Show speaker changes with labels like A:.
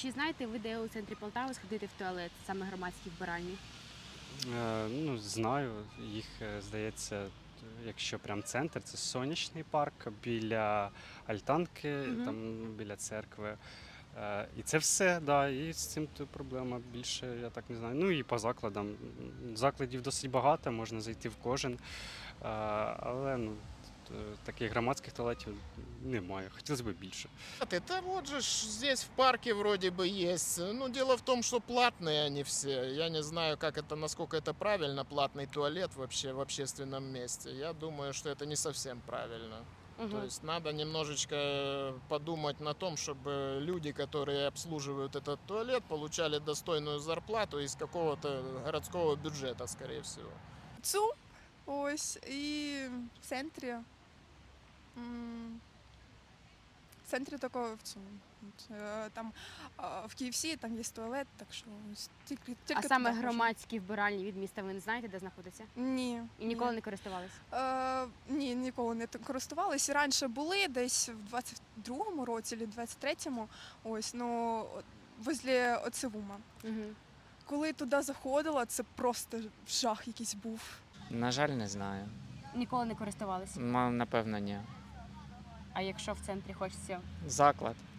A: Чи знаєте ви, де у центрі Полтави сходити в туалет, саме громадські вбиральні?
B: Ну, знаю, їх, здається, якщо прям центр, це Сонячний парк біля Альтанки,
A: Мгм.
B: там біля церкви. І це все, да, і з цим то проблема більше, я так не знаю. Ну і по закладам. Закладів досить багато, можна зайти в кожен, але ну, таких громадських туалетів немає. Хотілося б більше.
C: Это вот же здесь в парке вроде бы есть. Ну, дело в том, что платные они все. Я не знаю, как это, насколько это правильно, платный туалет вообще в общественном месте. Я думаю, что это не совсем правильно. То
A: Мгм.
C: есть надо немножечко подумать на том, чтобы люди, которые обслуживают этот туалет, получали достойную зарплату из какого-то городского бюджета, скорее всего.
D: Цу, ось, і в центрі. В центрі такого в цьому. Там в KFC там є туалет, так що ось тільки
A: А саме
D: туди можна.
A: громадські вбиральні від міста ви не знаєте, де знаходяться?
D: Ні.
A: І ніколи не користувалися?
D: Ні, ніколи не користувалися. Раніше були десь в 22-му році, чи 23-му, ось, ну, возле Оцевума.
A: Угу.
D: Коли туди заходила, це просто жах якийсь був.
E: На жаль, не знаю.
A: Ніколи не користувалися.
E: Напевно, ні.
A: А якщо в центрі хочеться?
E: Заклад.